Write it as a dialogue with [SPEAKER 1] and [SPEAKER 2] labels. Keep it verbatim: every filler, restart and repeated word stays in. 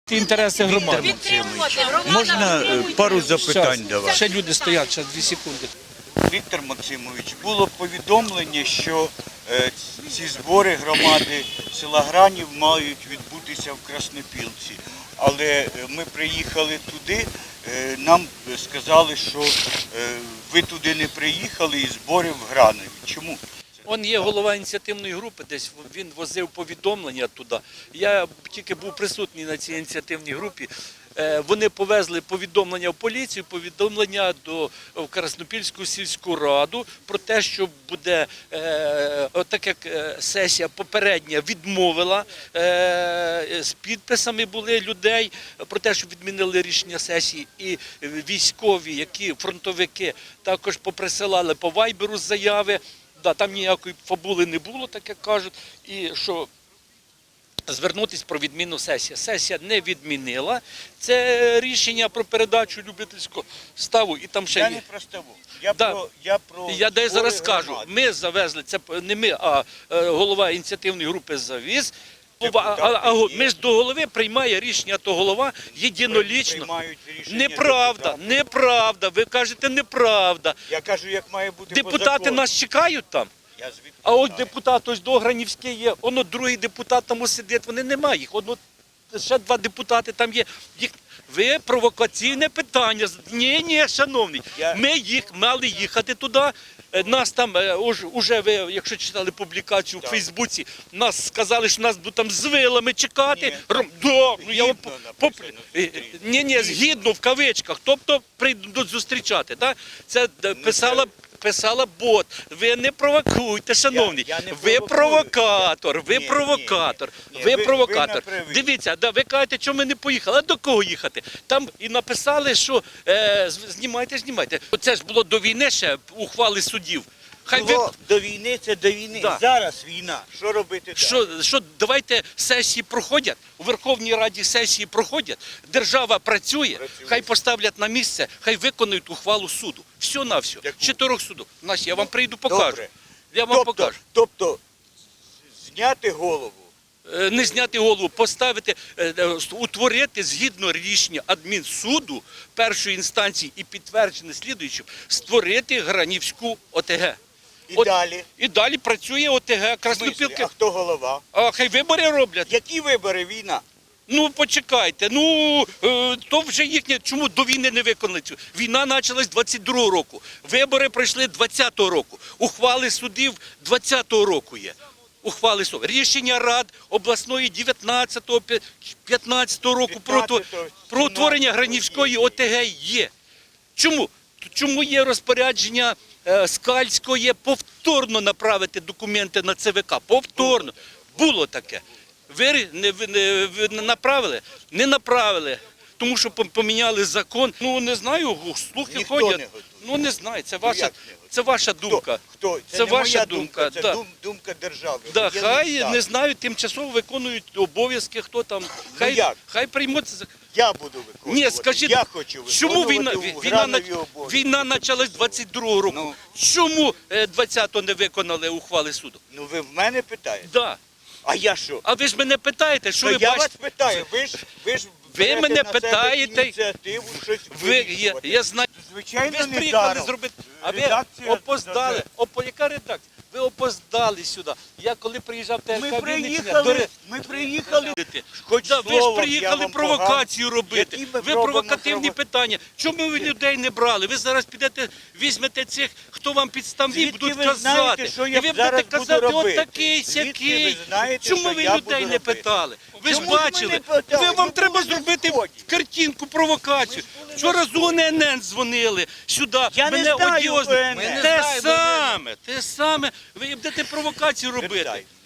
[SPEAKER 1] Інтереси громади.
[SPEAKER 2] Можна пару запитань до вас?
[SPEAKER 1] Ще люди стоять, зараз дві секунди.
[SPEAKER 2] Віктор Максимович, було повідомлення, що е, ці збори громади села Гранів мають відбутися в Краснопілці. Але ми приїхали туди, е, нам сказали, що е, ви туди не приїхали і збори в Гранові. Чому?
[SPEAKER 1] Он є голова ініціативної групи, десь він возив повідомлення туди. Я тільки був присутній на цій ініціативній групі. Вони повезли повідомлення в поліцію, повідомлення до в Краснопільську сільську раду про те, що буде, так як сесія попередня відмовила, з підписами були людей про те, що відмінили рішення сесії, і військові, які фронтовики, також поприсилали по вайберу заяви. Да, там ніякої фабули не було, так як кажуть, і що звернутися про відміну сесії. Сесія не відмінила. Це рішення про передачу любительського ставу. І там ще
[SPEAKER 2] я
[SPEAKER 1] є.
[SPEAKER 2] не про ставу. Я
[SPEAKER 1] да.
[SPEAKER 2] про, я про
[SPEAKER 1] я дай зараз скажу. Ми завезли, це не ми, а голова ініціативної групи завіз. А, а, а між до голови приймає рішення, то голова єдинолічно. Неправда, неправда. Ви кажете, неправда.
[SPEAKER 2] Я кажу, як має бути
[SPEAKER 1] депутати нас чекають там.
[SPEAKER 2] Я
[SPEAKER 1] а от депутат, ось Догранівський є, воно другий депутат там сидить, вони немає їх. Одно, ще два депутати там є. Їх... Ви провокаційне питання. Ні, ні, шановний. Я... Ми їх мали їхати туди. Нас там, уже ви, якщо читали публікацію так. у Фейсбуці, нас сказали, що нас будуть там з вилами чекати. Ні, Ром... да, ну, я вам... Поп... Ні, ні, згідно в кавичках, тобто прийдуть зустрічати. Так? Це ну, писала... Писала бот. Ви не провокуйте, шановні. Я, я ви провокатор, ви ні, провокатор, ні, ні. ви, ви провокатор. Ви Дивіться, да, ви кажете, що ми не поїхали. А до кого їхати? Там і написали, що е, знімайте, знімайте. Це ж було до війни ще ухвали судів.
[SPEAKER 2] Хай було ви... до війни, це до війни. Да. Зараз війна. Що робити
[SPEAKER 1] що, далі? Що, давайте сесії проходять, у Верховній Раді сесії проходять, держава працює, працює. Хай поставлять на місце, хай виконують ухвалу суду. Все на все. Чотирьох судів. Нас, я вам прийду покажу.
[SPEAKER 2] Добре.
[SPEAKER 1] Я вам
[SPEAKER 2] тобто,
[SPEAKER 1] покажу.
[SPEAKER 2] Тобто, зняти голову.
[SPEAKER 1] Не зняти голову, поставити, утворити згідно рішення адмінсуду першої інстанції і підтверджене слідуючим, створити Гранівську ОТГ.
[SPEAKER 2] І
[SPEAKER 1] От,
[SPEAKER 2] далі?
[SPEAKER 1] І далі працює ОТГ Краснопілки.
[SPEAKER 2] А хто голова?
[SPEAKER 1] А хай вибори роблять.
[SPEAKER 2] Які вибори? Війна?
[SPEAKER 1] Ну, почекайте, ну, е, то вже їхнє, чому до війни не виконали цю? Війна почалась двадцять другого року, вибори пройшли двадцятого року, ухвали судів двадцятого року є. Ухвали судів. Рішення рад обласної дев'ятнадцятого, п'ятнадцятого року про, про утворення Гранівської ОТГ є. Чому? Чому є розпорядження Скальського повторно направити документи на ЦВК? Повторно. Було таке. Ви не, не, не направили? Не направили. Тому що поміняли закон. Ну, не знаю, слухи
[SPEAKER 2] Ніхто
[SPEAKER 1] ходять.
[SPEAKER 2] Не
[SPEAKER 1] ну, не знаю, це ваша, це ваша думка.
[SPEAKER 2] Хто? Хто? Це,
[SPEAKER 1] це
[SPEAKER 2] не
[SPEAKER 1] ваша
[SPEAKER 2] моя
[SPEAKER 1] думка.
[SPEAKER 2] думка, це
[SPEAKER 1] да.
[SPEAKER 2] дум, думка держави.
[SPEAKER 1] Да, хай, не, не знаю, тимчасово виконують обов'язки, хто там. Хай,
[SPEAKER 2] ну, як?
[SPEAKER 1] хай приймуть.
[SPEAKER 2] Я буду виконувати.
[SPEAKER 1] Ні, скажіть,
[SPEAKER 2] я хочу виконувати
[SPEAKER 1] чому війна, війна, війна почалась двадцять другого року? Ну, чому двадцятого не виконали ухвали суду?
[SPEAKER 2] Ну, ви в мене питаєте?
[SPEAKER 1] Да.
[SPEAKER 2] А я що?
[SPEAKER 1] А ви ж мене питаєте, що
[SPEAKER 2] то
[SPEAKER 1] ви
[SPEAKER 2] я
[SPEAKER 1] бачите?
[SPEAKER 2] вас питаю, ви ж, ви ж
[SPEAKER 1] ви мене питаєте,
[SPEAKER 2] ініціативу, щось
[SPEAKER 1] ви, я, я знаю,
[SPEAKER 2] звичайно,
[SPEAKER 1] ви ж приїхали зробити, а ви
[SPEAKER 2] редакція,
[SPEAKER 1] опоздали, Опо, яка редакція? Ви опоздали сюди. Я коли приїжджав, те
[SPEAKER 2] ми приїхали, ми приїхали,
[SPEAKER 1] хоч да, ви ж приїхали провокацію робити, ви провокативні питання. Чому ви людей не брали? Ви зараз підете, візьмете цих, хто вам підставні, будуть
[SPEAKER 2] ви
[SPEAKER 1] казати.
[SPEAKER 2] Знаєте, що я
[SPEAKER 1] і ви
[SPEAKER 2] зараз
[SPEAKER 1] будете казати,
[SPEAKER 2] буду
[SPEAKER 1] от такий, сякий.
[SPEAKER 2] Ви знаєте,
[SPEAKER 1] чому ви людей не питали? Ви ж бачили, ви, вам треба зробити картинку, провокацію. Вчора з О Н Н дзвонили сюди,
[SPEAKER 2] я
[SPEAKER 1] мене
[SPEAKER 2] не знаю,
[SPEAKER 1] одіозно. Те саме, те саме. Ви будете провокацію робити.